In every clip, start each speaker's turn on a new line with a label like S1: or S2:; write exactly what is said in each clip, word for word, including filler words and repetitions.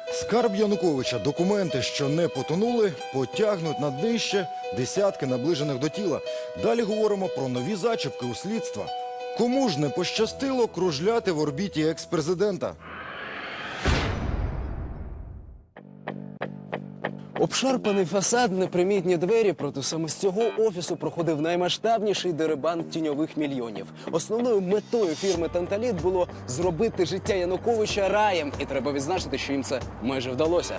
S1: Скарб Януковича, документи, що не потонули, потягнуть на днище десятки наближених до тіла. Далі говоримо про нові зачіпки у слідства. Кому ж не пощастило кружляти в орбіті екс-президента?
S2: Обшарпаний фасад, непримітні двері. Проти саме з цього офісу проходив наймасштабніший дерибан тіньових мільйонів. Основною метою фірми «Танталіт» було зробити життя Януковича раєм. І треба відзначити, що їм це майже вдалося.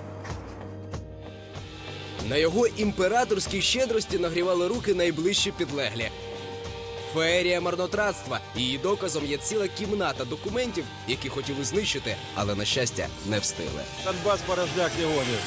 S2: На його імператорській щедрості нагрівали руки найближчі підлеглі. Феерія марнотратства. Її доказом є ціла кімната документів, які хотіли знищити, але, на щастя, не встигли.
S3: Донбас порожняк не гонит.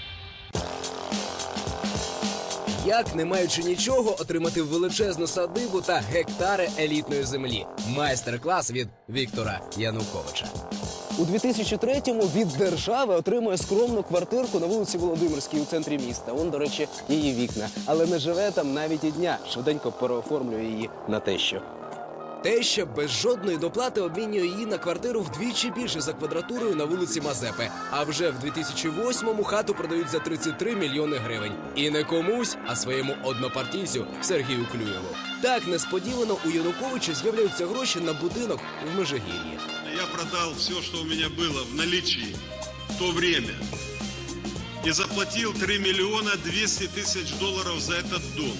S2: Як, не маючи нічого, отримати величезну садибу та гектари елітної землі? Майстер-клас від Віктора Януковича. У дві тисячі третьому від держави отримує скромну квартирку на вулиці Володимирській у центрі міста. Он, до речі, її вікна. Але не живе там навіть і дня. Швиденько переоформлює її на тещу. Теща без жодної доплати обмінює її на квартиру вдвічі більше за квадратурою на вулиці Мазепи. А вже в дві тисячі восьмому хату продають за тридцять три мільйони гривень. І не комусь, а своєму однопартійцю Сергію Клюєву. Так несподівано у Януковича з'являються гроші на будинок в Межигір'ї.
S4: Я продал все, что у меня было в наличии в то время. И заплатил три миллиона двести тысяч долларов за этот дом.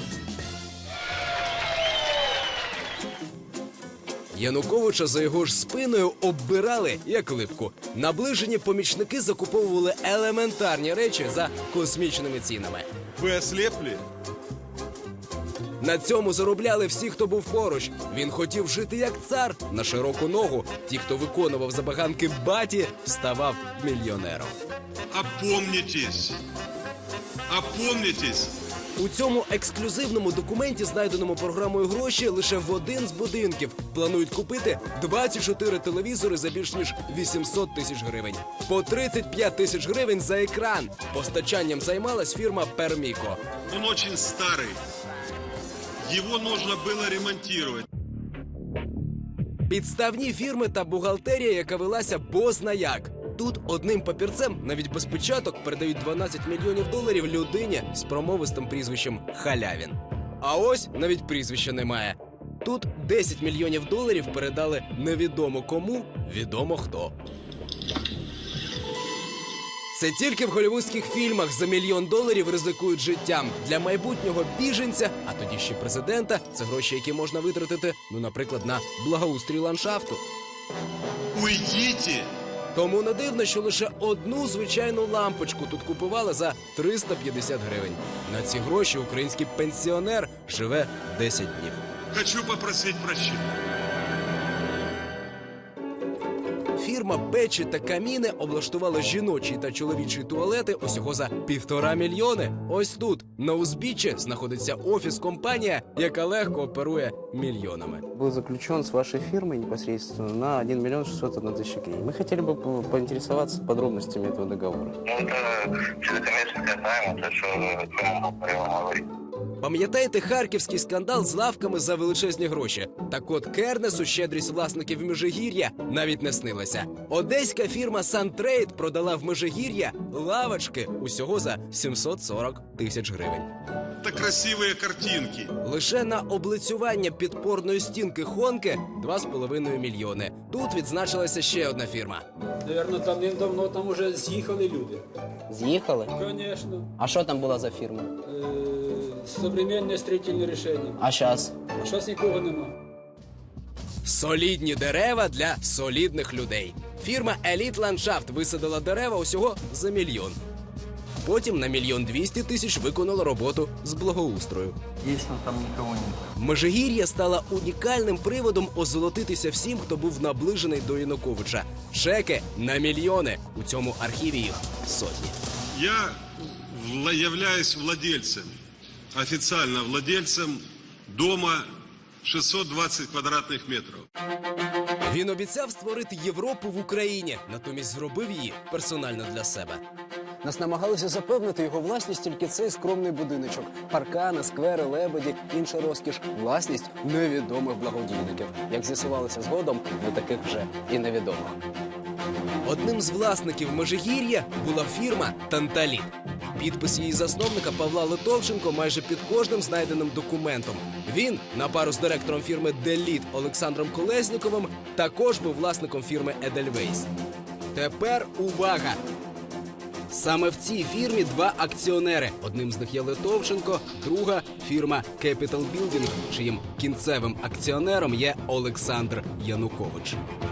S2: Януковича за його ж спиною оббирали, як липку. Наближені помічники закуповували елементарні речі за космічними цінами.
S4: Вы ослепли?
S2: На цьому заробляли всі, хто був поруч. Він хотів жити як цар на широку ногу. Ті, хто виконував забаганки баті, ставав мільйонером.
S4: Опомнитесь! Опомнитесь!
S2: У цьому ексклюзивному документі, знайденому програмою гроші, лише в один з будинків планують купити двадцять чотири телевізори за більш ніж вісімсот тисяч гривень. По тридцять п'ять тисяч гривень за екран. Постачанням займалась фірма «Перміко».
S4: Он очень старый. Его нужно было ремонтировать.
S2: Підставні фірми та бухгалтерія, яка велася бозна як. Тут одним папірцем, навіть без печаток, передають дванадцять мільйонів доларів людині з промовистим прізвищем Халявін. А ось навіть прізвища немає. Тут десять мільйонів доларів передали невідомо кому, відомо хто. Це тільки в голлівудських фільмах за мільйон доларів ризикують життям. Для майбутнього біженця, а тоді ще президента, це гроші, які можна витратити, ну, наприклад, на благоустрій ландшафту.
S4: Уйдите!
S2: Тому не дивно, що лише одну звичайну лампочку тут купували за триста п'ятдесят гривень. На ці гроші український пенсіонер живе десять днів.
S4: Хочу попросить прощения.
S2: Фірма «Печі та каміни» облаштувала жіночі та чоловічі туалети усього за півтора мільйони. Ось тут, на узбіччі, знаходиться офіс-компанія, яка легко оперує мільйонами.
S5: Был заключен с вашей фирмой непосредственно на один миллион шестьсот одна тысяча гривен. Мы хотели бы по- поинтересоваться подробностями этого договора.
S6: Ну, это человекомесская тайна, то, что я могу про его говорить.
S2: Пам'ятаєте харківський скандал з лавками за величезні гроші? Так от Кернесу щедрість власників Межигір'я навіть не снилася. Одеська фірма «Сантрейд» продала в Межигір'я лавочки усього за сімсот сорок тисяч гривень.
S4: Это красивые картинки.
S2: Лише на облицювання підпорної стінки Хонки – два з половиною мільйони. Тут відзначилася ще одна фірма.
S7: Наверно, давним-давно там уже з'їхали люди.
S5: З'їхали?
S7: Конечно.
S5: А що там була за фірма?
S7: Е, Современне строительне рішення.
S5: А зараз?
S7: А зараз нікого нема.
S2: Солідні дерева для солідних людей. Фірма «Еліт Ландшафт» висадила дерева усього за мільйон. Потім на мільйон двісті тисяч виконала роботу з благоустрою.
S6: Дійсно, там нікого немає.
S2: Межигір'я стала унікальним приводом озолотитися всім, хто був наближений до Януковича. Чеки на мільйони. У цьому архіві їх сотні.
S4: Я вла- являюсь владельцем, официально владельцем дома шестьсот двадцать квадратных метров.
S2: Він обіцяв створити Європу в Україні, натомість зробив її персонально для себе. Нас намагалися запевнити його власність тільки цей скромний будиночок. Паркани, сквери, лебеді, інша розкіш. Власність невідомих благодійників. Як з'ясувалося згодом, не таких вже і невідомих. Одним з власників Межигір'я була фірма «Танталіт». Підпис її засновника Павла Литовченко майже під кожним знайденим документом. Він, на пару з директором фірми «Деліт» Олександром Колесніковим, також був власником фірми «Едельвейс». Тепер увага! Саме в цій фірмі два акціонери. Одним з них є Литовченко, друга – фірма Capital Building, чиїм кінцевим акціонером є Олександр Янукович.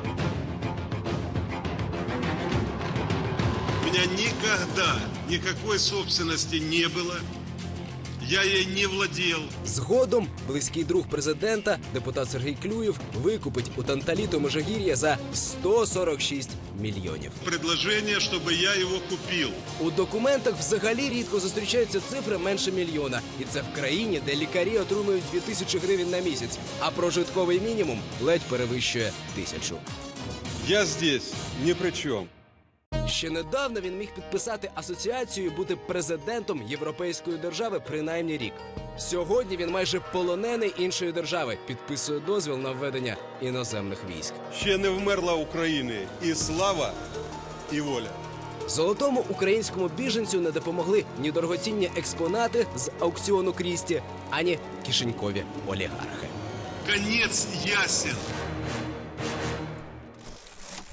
S4: У меня никогда никакой собственности не было. Я ей не владел.
S2: Згодом близький друг президента, депутат Сергій Клюєв, викупить у Танталіту Межигір'я за сто сорок шість мільйонів.
S4: Предложение, чтобы я его купил.
S2: У документах взагалі рідко зустрічаються цифри менше мільйона. І це в країні, де лікарі отримують дві тисячі гривень на місяць, а прожитковий мінімум ледь перевищує тисячу.
S3: Я здесь ни при чем.
S2: Ще недавно він міг підписати асоціацію і бути президентом європейської держави принаймні рік. Сьогодні він майже полонений іншої держави, підписує дозвіл на введення іноземних військ.
S3: Ще не вмерла України і слава, і воля.
S2: Золотому українському біженцю не допомогли ні дорогоцінні експонати з аукціону Крісті, ані кишенькові олігархи.
S4: Конец ясен.